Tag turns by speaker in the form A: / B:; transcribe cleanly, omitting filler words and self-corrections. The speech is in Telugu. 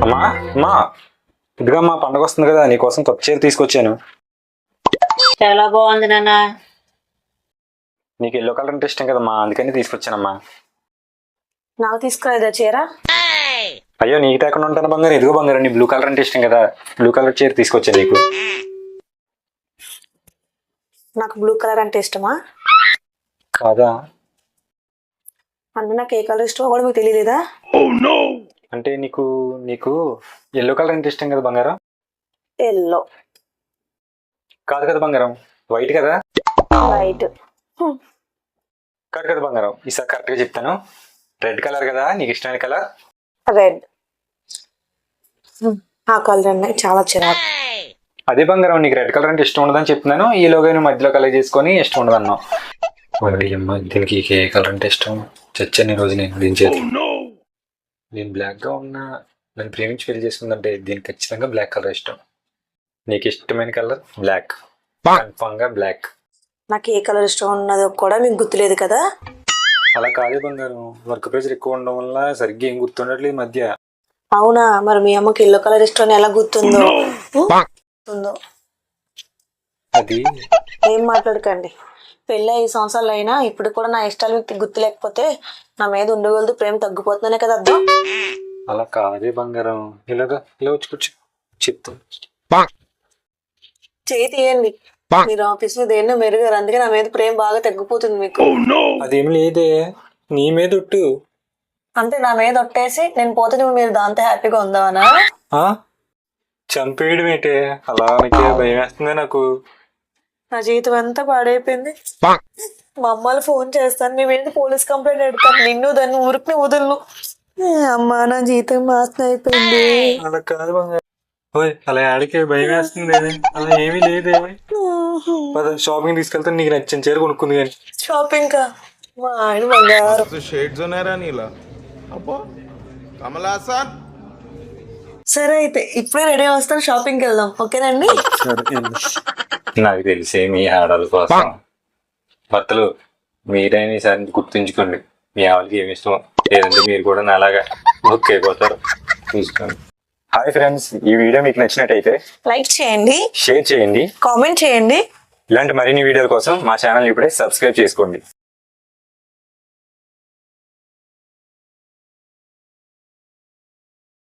A: అమ్మా అమ్మా ఇదిగా మా పండగ వస్తుంది కదా నీకోసం కొత్త చీర తీసుకొచ్చాను.
B: చాలా బాగుంది నాన్న.
A: నీకు ఎల్లో కలర్ అంటే ఇష్టం కదమ్మా, అందుకని తీసుకొచ్చానమ్మా.
C: నాకు తీసుకురాదా చీర?
A: అయ్యో నీకు తేకుండా ఉంటాను బంగారు. ఎదుగో బంగారు, నీ బ్లూ కలర్ అంటే ఇష్టం కదా, బ్లూ కలర్ చీర తీసుకొచ్చాను నీకు.
C: నాకు బ్లూ కలర్ అంటే ఇష్టమా?
A: కాదా?
C: అంటే నాకు ఏ కలర్ ఇష్టమో కూడా మీకు తెలియలేదా?
A: అంటే నీకు నీకు ఎల్లో కలర్ అంటే ఇష్టం కదా బంగారం.
C: ఎల్లో
A: కాదు కదా బంగారం, వైట్ కదా.
C: వైట్
A: కాదు కదా బంగారం, ఈసారి కరెక్ట్గా చెప్తాను. రెడ్ కలర్ కదా నీకు ఇష్టమైన కలర్.
C: రెడ్. ఆ కలర్ అన్నాయి చాలా చిరాకు.
A: అదే బంగారం, నీకు రెడ్ కలర్ అంటే ఇష్టం ఉండదని చెప్తున్నాను, ఈలోగా నువ్వు మధ్యలో కలర్ చేసుకొని ఇష్టం ఉండదు అన్నావు. అమ్మ దీనికి ఏ కలర్ అంటే ఇష్టం చచ్చాను ఈ రోజు నేను దించేది. నేను బ్లాక్గా ఉన్నా నన్ను ప్రేమించి పెళ్లి చేసుకుందంటే దీనికి ఖచ్చితంగా బ్లాక్ కలర్ ఇష్టం. నీకు ఇష్టమైన కలర్ బ్లాక్, కన్ఫామ్గా బ్లాక్.
C: నాకు ఏ కలర్ ఇష్టం ఉన్నదో కూడా మీకు గుర్తులేదు కదా?
A: అలా కాదే బంగారం, వర్క్ ప్రెషర్ ఎక్కువ ఉండడం వల్ల సరిగ్గా ఏం గుర్తుండట్లేదు ఈ మధ్య.
C: అవునా, మరి మీ అమ్మకి ఎల్లో కలర్ ఇష్టం అని ఎలా గుర్తుందో?
A: అది
C: ఏం మాట్లాడకండి. పెళ్ళి 5 సంవత్సరాలు అయినా ఇప్పుడు కూడా నా ఇష్టాలు మీకు గుర్తు లేకపోతే నా మీద ఉండగలదు ప్రేమ తగ్గిపోతుందనే కదా అర్థం.
A: అలా కాదే బంగారం, ఇలాగా ఇలా వచ్చి కూర్చో చెప్తాను.
C: చేయి తీయండి. మీరు ఆఫీస్ లో దేన్నో మెరుగారు, అందుకే నా మీద ప్రేమ బాగా తగ్గిపోతుంది మీకు.
A: అదేం లేదే, నీ మీద ఒట్టు.
C: అంటే నా మీద ఒట్టేసి నేను పోతే నువ్వు మీరు దాంతో హ్యాపీగా ఉందామనా?
A: చంపేయడం ఏంటే, అలా నీకే భయం వేస్తుంది నాకు.
C: నా జీవితం అంతా పాడైపోయింది. మా అమ్మాలు ఫోన్ చేస్తాను, నీ మీద పోలీస్ కంప్లైంట్ పెడతాను, నిన్ను దాన్ని ఊరికి వదలను. అమ్మా నా జీవితం నాశనం అయిపోయింది.
A: అలా కాదు బంగారం, ఓయ్ అలా ఆడికే భయం వేస్తుంది. అలా ఏమీ లేదే. షాపింగ్ తీసుకెళ్తాను, నీకు నచ్చిన చీర కొనుక్కుంది కానీ.
C: షాపింగ్ కా? మా ఆయన బంగారం. సరే అయితే ఇప్పుడే రెడీ వస్తాను, షాపింగ్కి వెళ్దాం. ఓకేనండి?
A: నాకు తెలిసే మీ ఆడవాళ్ళ కోసం భర్తలు మీరైనా ఈసారి గుర్తుంచుకోండి, మీ ఆవిడకి ఏమి ఇష్టం, లేదంటే మీరు కూడా నాలాగా బుక్ అయిపోతారు. చూసుకోండి. హాయ్ ఫ్రెండ్స్, ఈ వీడియో మీకు నచ్చినట్టయితే
C: లైక్ చేయండి,
A: షేర్ చేయండి,
C: కామెంట్ చేయండి.
A: ఇలాంటి మరిన్ని వీడియోల కోసం మా ఛానల్ ఇప్పుడే సబ్స్క్రైబ్ చేసుకోండి.